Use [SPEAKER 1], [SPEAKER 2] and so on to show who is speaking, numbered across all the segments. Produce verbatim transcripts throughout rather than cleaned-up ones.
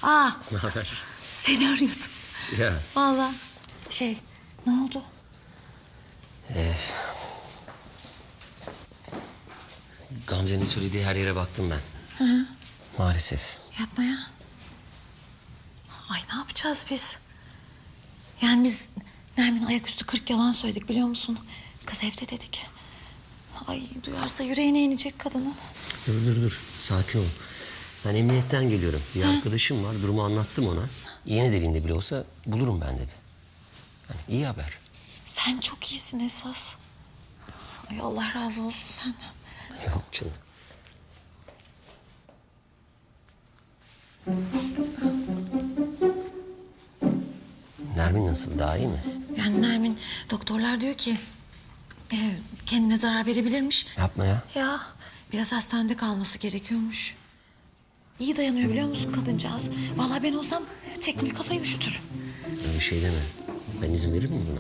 [SPEAKER 1] Aa,
[SPEAKER 2] Ne haber?
[SPEAKER 1] seni arıyordum.
[SPEAKER 2] Ya.
[SPEAKER 1] Vallahi şey, ne oldu?
[SPEAKER 2] Ee, Gamze'nin söylediği her yere baktım ben.
[SPEAKER 1] Hı hı.
[SPEAKER 2] Maalesef.
[SPEAKER 1] Yapma ya. Ay ne yapacağız biz? Yani biz Nermin ayaküstü kırk yalan söyledik biliyor musun? Kız evde dedik. Ay duyarsa yüreğine inecek kadının.
[SPEAKER 2] Dur dur dur. Sakin ol. Ben emniyetten geliyorum. Bir
[SPEAKER 1] Ha.
[SPEAKER 2] arkadaşım var. Durumu anlattım ona. İğne deliğinde bile olsa bulurum ben dedi. Yani iyi haber.
[SPEAKER 1] Sen çok iyisin esas. Ay Allah razı olsun senden.
[SPEAKER 2] Yok canım. Nermin nasıl? Daha iyi mi?
[SPEAKER 1] Yani Nermin doktorlar diyor ki e, kendine zarar verebilirmiş.
[SPEAKER 2] Yapma ya.
[SPEAKER 1] Ya biraz hastanede kalması gerekiyormuş. İyi dayanıyor biliyor musun kadıncağız? Vallahi ben olsam tekmil kafayı üşütürüm.
[SPEAKER 2] Öyle şey deme. Ben izin verir miyim buna?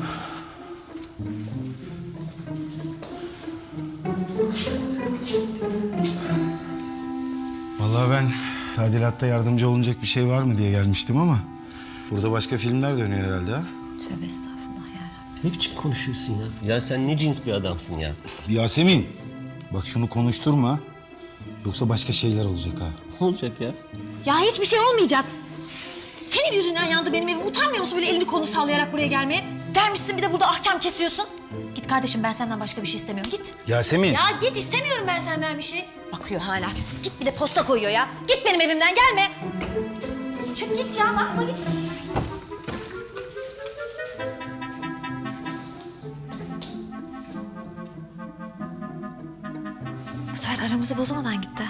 [SPEAKER 3] Vallahi ben tadilatta yardımcı olunacak bir şey var mı diye gelmiştim ama... burada başka filmler dönüyor herhalde ha?
[SPEAKER 1] Tövbe estağfurullah yarabbim.
[SPEAKER 2] Ne biçim konuşuyorsun ya? Ya sen ne cins bir adamsın ya?
[SPEAKER 3] Yasemin, bak şunu konuşturma. Yoksa başka şeyler olacak ha.
[SPEAKER 2] Ne olacak ya?
[SPEAKER 1] Ya hiçbir şey olmayacak. Senin yüzünden yandı benim evim. Utanmıyor musun böyle elini kolunu sallayarak buraya gelmeye? Dermişsin bir de burada ahkam kesiyorsun. Git kardeşim ben senden başka bir şey istemiyorum. Git.
[SPEAKER 3] Yasemin.
[SPEAKER 1] Ya git istemiyorum ben senden bir şey. Bakıyor hala. Git bir de posta koyuyor ya. Git benim evimden gelme. Çık git ya bakma git. Bu sefer aramızı bozamadan gitti.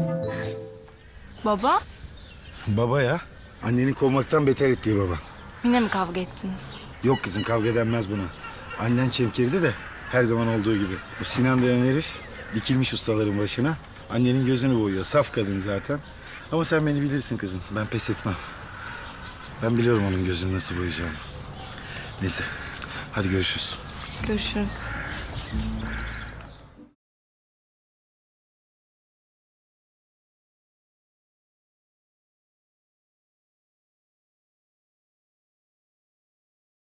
[SPEAKER 4] Baba,
[SPEAKER 3] Baba ya. Annenin kovmaktan beter ettiği baba.
[SPEAKER 4] yine mi kavga ettiniz?
[SPEAKER 3] Yok kızım, kavga denmez buna. Annen çemkirdi de her zaman olduğu gibi. O Sinan denen herif dikilmiş ustaların başına. Annenin gözünü boyuyor. Saf kadın zaten. Ama sen beni bilirsin kızım. Ben pes etmem. Ben biliyorum onun gözünü nasıl boyayacağımı. Neyse. Hadi görüşürüz.
[SPEAKER 4] Görüşürüz.